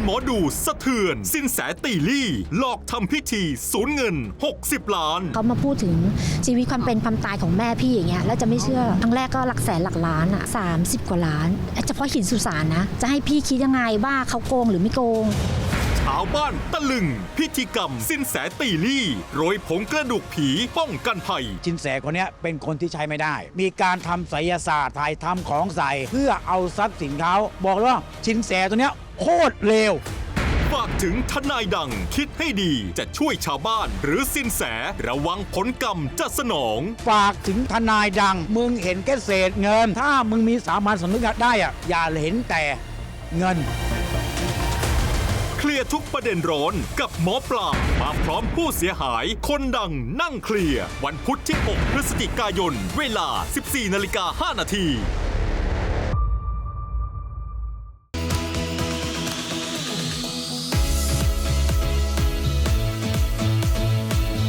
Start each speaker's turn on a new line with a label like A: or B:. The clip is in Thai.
A: หมอดูสะเทือนสินแสตีลี่หลอกทำพิธีสูญเงิน60 ล้าน
B: เขามาพูดถึงชีวิตความเป็นความตายของแม่พี่อย่างเงี้ยแล้วจะไม่เชื่อครั้งแรกก็หลักแสนหลักล้านอ่ะ30 กว่าล้านเฉพาะหินสุสานนะจะให้พี่คิดยังไงว่าเขาโกงหรือไม่โกง
A: ชาวบ้านตะลึงพิธีกรรมสินแสตีลี่โรยผงกระดูกผีป้องกันภัย
C: สินแสคนนี้เป็นคนที่ใช้ไม่ได้มีการทำไสยศาสตร์ถ่ายทำของใส่เพื่อเอาทรัพย์สินเขาบอกเลยว่าสินแสตัวเนี้ยโคตรเลว
A: ฝากถึงทนายดังคิดให้ดีจะช่วยชาวบ้านหรือสินแสระวังผลกรรมจะสนอง
C: ฝากถึงทนายดังมึงเห็นแค่เศษเงินถ้ามึงมีสามัญสำนึกได้อะอย่าเห็นแต่เงิน
A: เคลียร์ทุกประเด็นร้อนกับหมอปลามาพร้อมผู้เสียหายคนดังนั่งเคลียร์วันพุธที่ 6 พฤศจิกายนเวลา 14:05 น.